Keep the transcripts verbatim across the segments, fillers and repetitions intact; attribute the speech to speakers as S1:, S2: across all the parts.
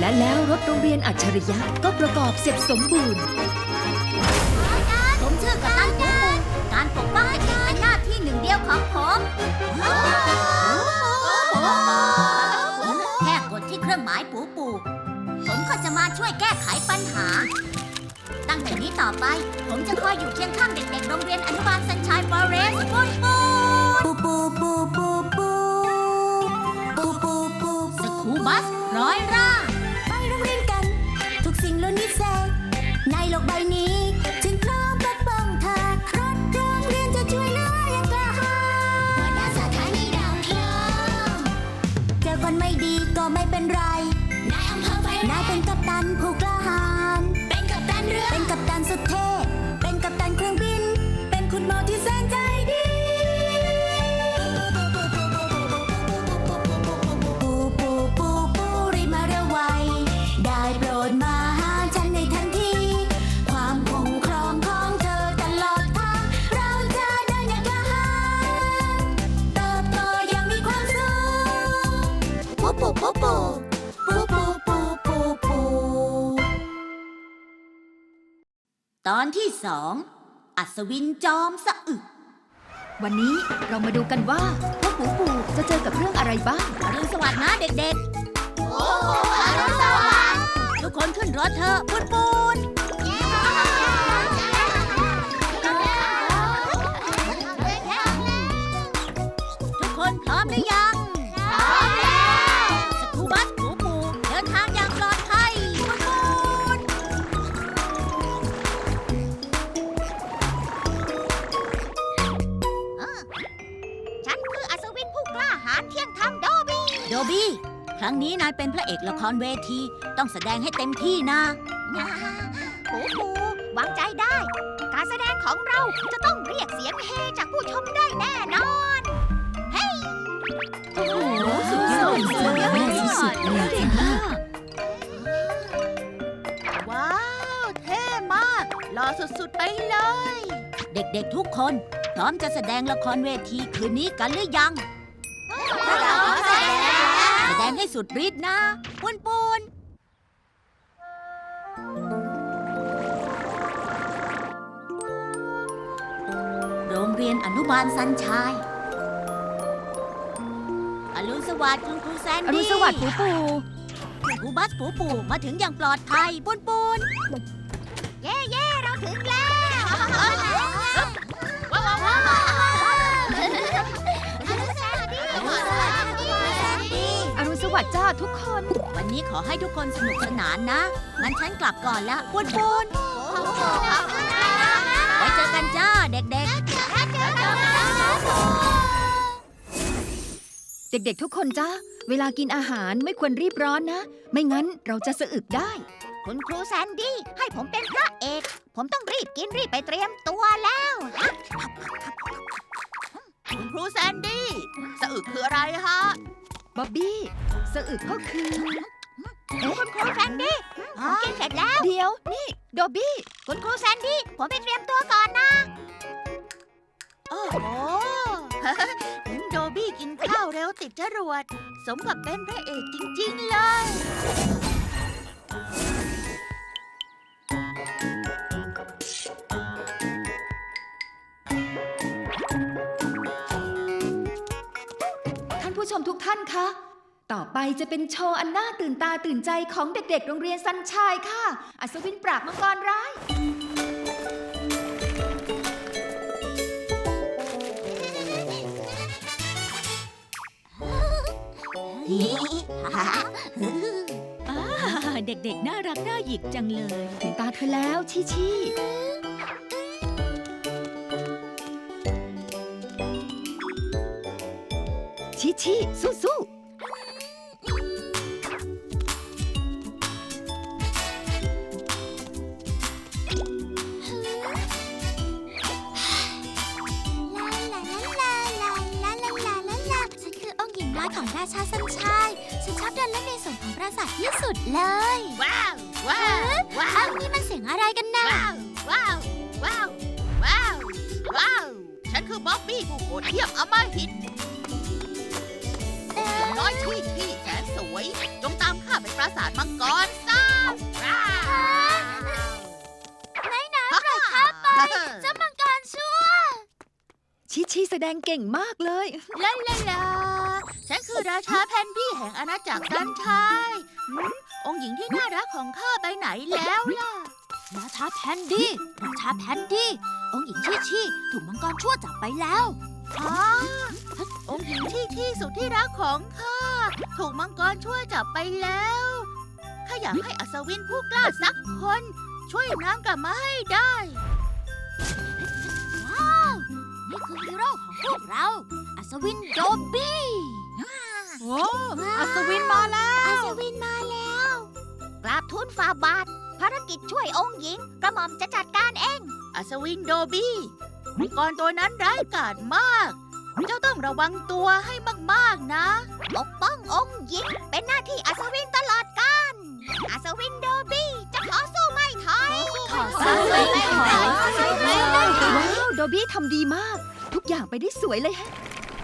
S1: และแล้วรถโรงเรียนอัจฉริยะก็ประกอบเสร็จสมบูรณ์
S2: ผมชื่อกัปตันปูปูการปกป้องเด็กๆเป็นหน้าที่หนึ่งเดียวของผมแค่กดที่เครื่องหมายปูปูผมก็จะมาช่วยแก้ไขปัญหาตั้งแต่นี้ต่อไปผมจะคอยอยู่เคียงข้างเด็กๆโรงเรียนอนุบาลสันชัยฟอเรสต์ปูปูปูปูปูปูปูปูปูสกูบัสร้อยร่างไปโรงเรียนกันทุกสิ่งล้วนวิเศษในโลกใบนี้จึงพร้อมปกป้องเธอรถโรงเรียนจะช่วยเหลืออย่างกล้าหาญหัวหน้าสถานีดาวเทียมเจอคนไม่ดีก็ไม่เป็นไรนายอำเภอไฟนายเป็นกัปตันผู้กล้าหาญเป็นกัปตันเรือเป็นกัปตันสุดเท่เป็นกัปตันเครื่องบินเป็นคุณหมอที่แสนใจดีปูปูปูปูรีบมาเร็วไวได้โปรดมาหาฉันในทันทีความคุ้มครองของเธอตลอดทางเราจะเดินอย่างกล้าหาญเติบโตอย่างมีความสุขปูปูปูปูปูปูปูปูปูตอนที่สองอัศวินจอมสะอึก
S1: วันนี้เรามาดูกันว่าพวกปูปูจะเจอกับเรื่องอะไรบ้าง
S2: อรุณสวัสดิ์นะเด็กๆโอ้อรุณสวัสดิ์ทุกคนขึ้นรถเถอะปูนปูนทุกคนพร้อมหรือยังพร้อมแล้วสกูบัสปูปูเดินทางอย่างปลอดภัยปูนปูนฉันคืออัศวินผู้กล้าหาญเที่ยงธรรมโดบี้โดบี้ครั้งนี้นายเป็นพระเอกละครเวทีต้องแสดงให้เต็มที่นะปูปูวางใจได้ การแสดงของเราจะต้องเรียกเสียงเฮจากผู้ชมได้แน่นอนเฮ้ยโอ้โหสุดยอดสุดยอดสุดเลยเก่งมากว้าวเท่มากหล่อสุดๆไปเลยเด็กๆทุกคนพร้อมจะแสดงละครเวทีคืนนี้กันหรือยังแสดงให้สุดฤทธิ์นะปูนปูนโรงเรียนอนุบาลสันชัยอรุณสวัสดิ์คุณครูแซนดี้
S1: อรุณสวัสดิ์ปูปู
S2: ครูบัสปูปูมาถึงอย่างปลอดภัยปูนปูนเย่เย่เราถึงแล้วว้าวว้าว
S1: อรุณสวัสดิ์จ้าทุกคน
S2: วันนี้ขอให้ทุกคนสนุกสนานนะงั้นฉันกลับก่อนละปูนปูนไว้เจอกันจ้าเด็กๆ
S1: เด็กๆทุกคนจ้าเวลากินอาหารไม่ควรรีบร้อนนะไม่งั้นเราจะสะอึกได้
S2: คุณครูแซนดี้ให้ผมเป็นพระเอกผมต้องรีบกินรีบไปเตรียมตัวแล้ว
S3: คุณครูแซนดี้สะอึกคืออะไรฮะ
S1: บ๊อบบี้สะอึกก็คือ
S2: เอ๊ะคุณครูแซนดี้ผมกินเสร็จแล้ว
S1: เดี๋ยวนี่โดบี้
S2: คุณครูแซนดี้ผมไปเตรียมตัวก่อนนะ
S3: โอ้โหโดบี้กินข้าวเร็วติดจรวดสมกับเป็นพระเอกจริงๆเลย
S1: ท่านผู้ชมทุกท่านคะต่อไปจะเป็นโชว์อันน่าตื่นตาตื่นใจของเด็กๆโรงเรียนสันชัยค่ะอัศวินปราบมังกรร้าย
S2: เด็กๆน่ารักน่าหยิกจังเลย
S1: ถึงตาเธอแล้วชิชิชิชิสู้ๆ
S2: ของราชาสันชัยฉันชอบเดินเล่นในสวนของปราสาทที่สุดเลยว้าวว้าวว้าวนี่มันเสียงอะไรกันนะว้าวว้าวว้าว
S3: ว้าวว้าวฉันคือบ๊อบบี้ผู้โหดเยี่ยมอำมหิตน้อยที่ที่แสนสวยจงตามข้าไปปราสาทมังกร
S1: ดงเก่งมากเลย
S3: ลาลาลาฉันคือราชาแพนดี้แห่งอาณาจักรซันชายหืมองค์หญิงที่น่ารักของข้าไปไหนแล้วล่ะ
S4: ราชาแพนดี้ ราชาแพนดี้ องค์หญิงชี่ชี่ถูกมังกรชั่วจับไปแล้ว
S3: อ๋อองค์หญิงที่ที่สุดที่รักของข้าถูกมังกรช่วยจับไปแล้วข้าอยากให้อัศวินผู้กล้าสักคน ช่วยนางกลับมาให้ได้
S4: ว้าว นี่คือฮีโร่ของพวกเรา อัศวินโดบี้
S1: โอ้อัศวินมาแล้ว
S2: อัศวินมาแล้วกราบทูลฝ่าบาทภารกิจช่วยองค์หญิงกระหม่อมจะจัดการเอง
S3: อัศวินโดบี้มังกรตัวนั้นร้ายกาจมาก เจ้าต้องระวังตัวให้มากๆนะ
S2: ปกป้ององค์หญิงเป็นหน้าที่อัศวินตลอดกาลอัศวินโดบี้จะขอสู้ไม่ถอย
S4: ขอสู้ไม่ถอย
S1: ว้าว โดบี้ทำดีมาก ทุกอย่างไปได้สวยเลยฮะ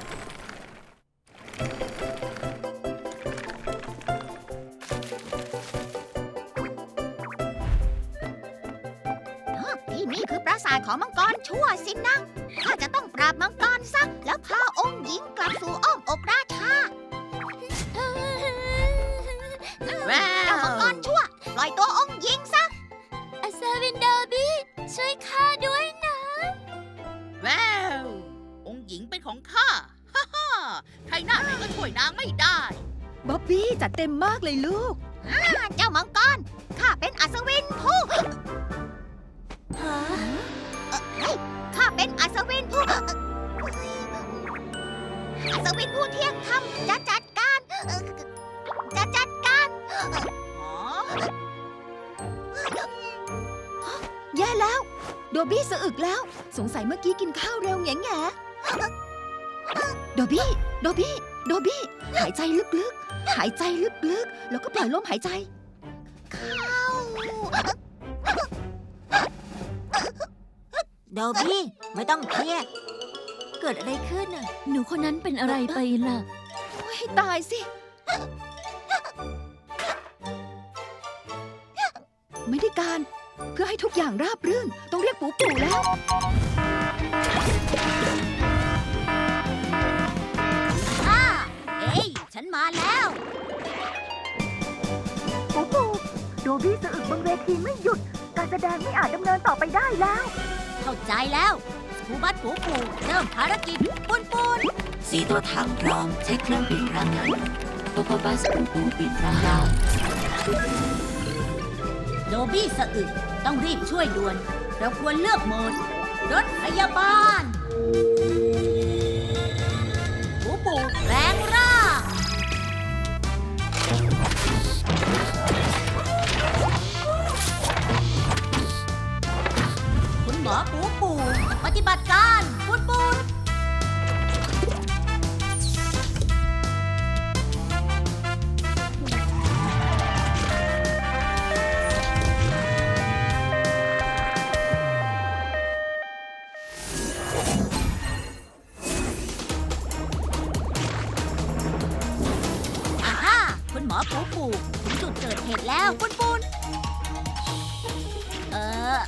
S2: ที่นี่คือปราสาทของมังกรชั่วสินะ ข้าจะต้องปราบมังกรซะแล้วพาองค์หญิงกลับสู่อ้อมอกราชา
S3: ว้า
S2: เจ้ามังก
S3: ว
S2: รชั่ว ปล่อยตัวองค์หญิงซะ
S4: อัศวินโดบี้ ช่วยข้าด้วยนะ
S3: ว้าวองค์หญิงเป็นของข้า ฮ่าฮ่าใครหน้าไหนก็ช่วยนางไม่ได้
S1: บ๊อบบี้จัดเต็มมากเลยลูก
S2: เจ้ามังกร ข้าเป็นอัศวินผู้เอ่อเฮ้ยข้าเป็นอัศวินผู้อัศวินผู้เที่ยงธรรมจะจัดการเอ่อจะจัดการ
S3: อ๋อ
S1: แย่แล้ว โดบี้สะอึกแล้ว สงสัยเมื่อกี้กินข้าวเร็วแง่แง่โดบี้ โดบี้ โดบี้ หายใจลึกๆ หายใจลึกๆ แล้วก็ปล่อยลมหายใจ
S2: โดบี้ไม่ต้องเครียด
S4: เกิดอะไรขึ้นน่ะ หนูคนนั้นเป็นอะไรไปล่ะ
S1: ให้ตายสิ ไม่ได้การ เพื่อให้ทุกอย่างราบรื่น ต้องเรียกปู่ปู่แล้ว
S2: อ่าเอ้ยฉันมาแล้ว
S1: ปู่ปู่โดบี้สะอึกบนเวทีไม่หยุด การแสดงไม่อาจดำเนินต่อไปได้แล้ว
S2: เข้าใจแล้วสกูบัตปูปูเริ่มภารกิจปุนปุน
S5: สีตัวถังพร้อมใช้เครื่องบินพลังงานโตโคบัสปูปูบินพลังงาน
S2: โดบี้สะอึกต้องรีบช่วยด่วน เราควรเลือกโหมด รถพยาบาลปูปูแรงร่างคุณหมอปูปูปฏิบัติการปุนปุน อ่าฮ่าคุณหมอปูปูถึงจุดเกิดเหตุแล้วปุนปุนเออ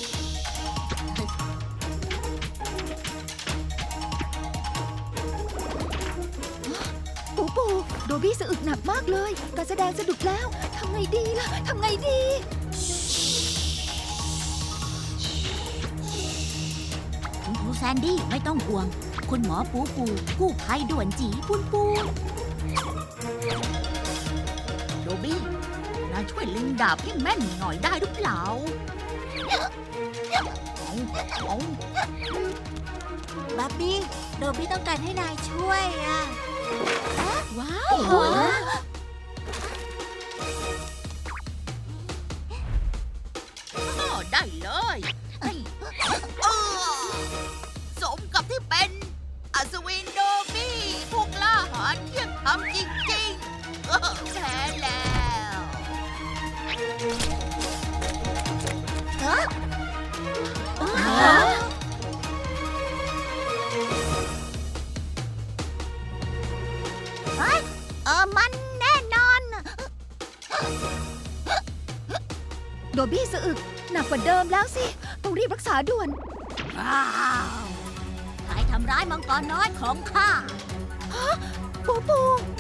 S1: ปู่ปู่โดบี้สะอึกหนักมากเลย การแสดงสะดุดแล้ว ทำไงดีล่ะ ทำไงดี
S2: คุณครูแซนดี้ไม่ต้องห่วง คุณหมอปูปูกู้ภัยด่วนจีปุนปุน
S3: โดบี้นายช่วยลิงดาบให้แม่นหน่อยได้หรือเปล่าเอาเอา
S4: บับบี้ โดบี้ต้องการให้นายช่วยอ่ะ
S1: ว้าว
S3: อ้อได้เลยเอ้ยอ้อสมกับที่เป็นอัศวินโดบี้พวกล่าหาญเที่ยงธรรมจริงๆเออแพ้แล้ว
S2: เออมันแน่นอน
S1: โดบี้สะอึกหนักกว่าเดิมแล้วสิ ต้องรีบรักษาด่วน
S2: ว้าวถ่ายทำร้ายมังกรน้อยของข้า
S1: ปูปู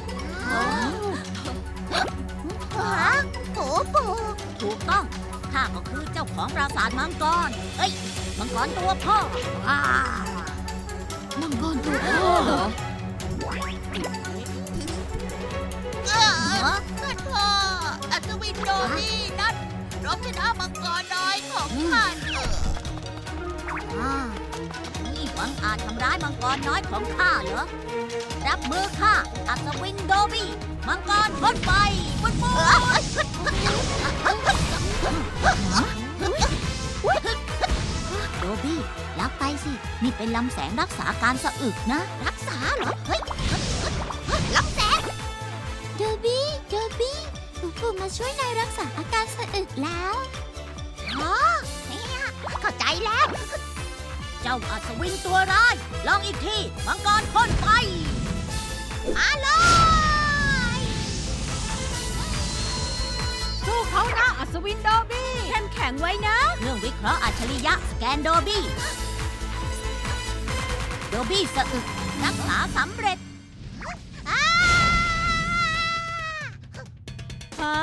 S2: ฮะปูปูถูกต้อง ข้าก็คือเจ้าของปราสาทมังกร เอ้ย มังกรตัวพ่อว้า
S1: มังกรตัวพ่อเหรอ
S3: เออท่านพ่ออัศวินโดบี้นั่นรบชนะมังกรน้อยของท่านเออ
S2: อ่านี่หวังอาจทำร้ายมังกรน้อยของข้าเหรอ รับมือข้า อัศวินโดบี้ มังกรพ่นไฟปุ้นปุ้โดบี้รับไปสิ นี่เป็นลำแสงรักษาการสะอึกนะ รักษาเหรอ เฮ้ยลำแสง
S4: โดบี้โดบี้ปูปูมาช่วยนายรักษาอาการสะอึกแล้ว
S2: อ๋อเนี่ยเข้าใจแล้ว เจ้าอัศวินตัวร้าย ลองอีกที มังกรพ่นไฟมาเลย
S1: สู้เขานะอัศวินโดบี้เข้มแข็งไว้นะ
S2: เครื่องวิเคราะห์อัจฉริยะสแกนโดบี้ โดบี้สะอึกรักษาสำเร็จ
S1: ฮะ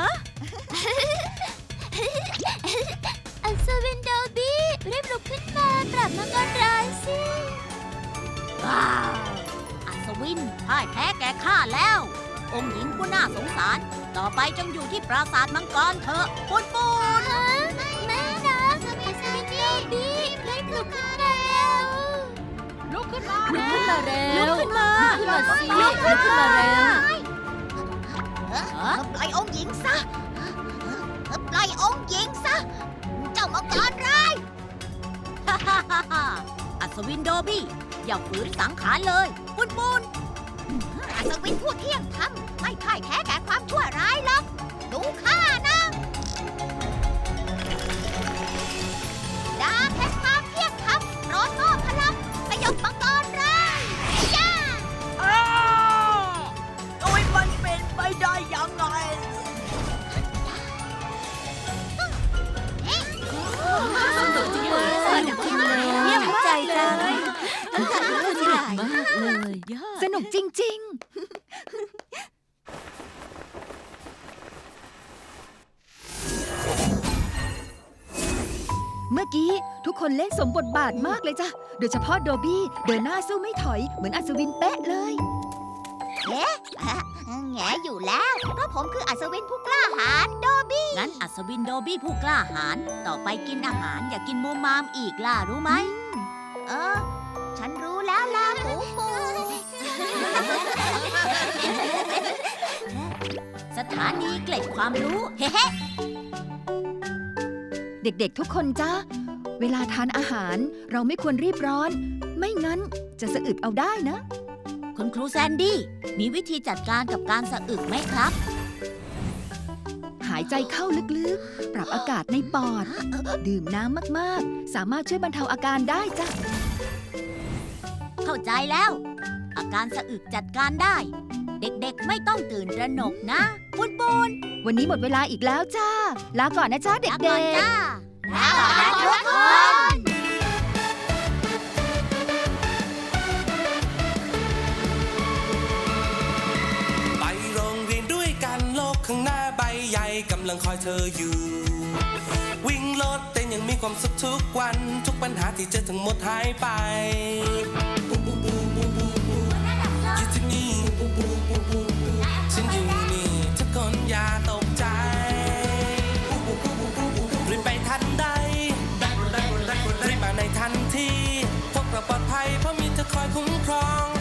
S4: อัศวินโดบี้รีบลุกขึ้นมาปราบมังกรร้ายสิ
S2: ว้าว อัศวินพ่ายแพ้แก่ข้าแล้ว องค์หญิงผู้น่าสงสาร ต่อไปจงอยู่ที่ปราสาทมังกรเถอะปุนปุน
S4: ฮะแม่นะอัศวินโดบี้รีบลุกขึ้นมาเร็ว
S1: ลุกขึ้นมา
S4: ลุกขึ้นมาเร็ว
S1: ลุกขึ้นมา
S4: ลุกขึ้นมาสิลุกขึ้นมาเร็ว
S2: ปล่อยองค์หญิงซะปล่อยองค์หญิงซะ เจ้ามังกรร้าย อัศวินโดบี้อย่าฝืนสังขารเลยปุนปุนอัศวินผู้เที่ยงธรรมไม่พ่ายแพ้แก่ความชั่วร้ายหรอกดูข้านะดาบแห่งความเที่ยงธรรมโปรดมอบพลังสยบมังกรร้ายย่า
S3: โอ้ยมันเป็นไปได้ยังไง
S1: สนุกจังเลยสนุกจังเลย
S4: เยี่ยมใจจัง
S5: มากเลย
S1: สนุกจริง ๆ เมื่อกี้ทุกคนเล่นสมบทบาทมากเลยจ้ะ โดยเฉพาะโดบี้เดินหน้าสู้ไม่ถอยเหมือนอัศวินเป๊ะเลย
S2: แงอยู่แล้ว เพราะผมคืออัศวินผู้กล้าหาญโดบี้ งั้นอัศวินโดบี้ผู้กล้าหาญต่อไปกินอาหารอย่ากินมูมามอีกล่ะรู้ไหม เออ ฉันรู้แล้วล่ะปูปู สถานีเกล็ดความรู้ เฮ้
S1: เด็กๆทุกคนจ้าเวลาทานอาหารเราไม่ควรรีบร้อน ไม่งั้นจะสะอึกเอาได้นะ
S2: คุณครูแซนดี้มีวิธีจัดการกับการสะอึกไหมครับ
S1: หายใจเข้าลึกๆ ปรับอากาศในปอด ดื่มน้ำมากๆ สามารถช่วยบรรเทาอาการได้จ้ะ
S2: เข้าใจแล้ว อาการสะอึกจัดการได้ เด็กๆไม่ต้องตื่นตระหนกนะปุนปุน
S1: วันนี้หมดเวลาอีกแล้วจ้า ลาก่อนนะจ้าเด็
S2: ลาก่อน
S1: กๆ
S2: จ้าลาก่อนนะทุกคน
S6: ไปโรงเรียนด้วยกันโลกข้างหน้าใบใหญ่กำลังคอยเธออยู่ วิ่งรถเต้นยังมีความสุขทุกวันทุกปัญหาที่เจอทั้งหมดหายไปปูปูปูปูปูปูอยู่ที่นี่ปูปูปูปูปูฉันอยู่นี่ทุกคนอย่าตกใจปูปูปูปูปูปูรีบไปทันใดรีบมาในทันทีพวกเราปลอดภัยเพราะมีเธอคอยคุ้มครอง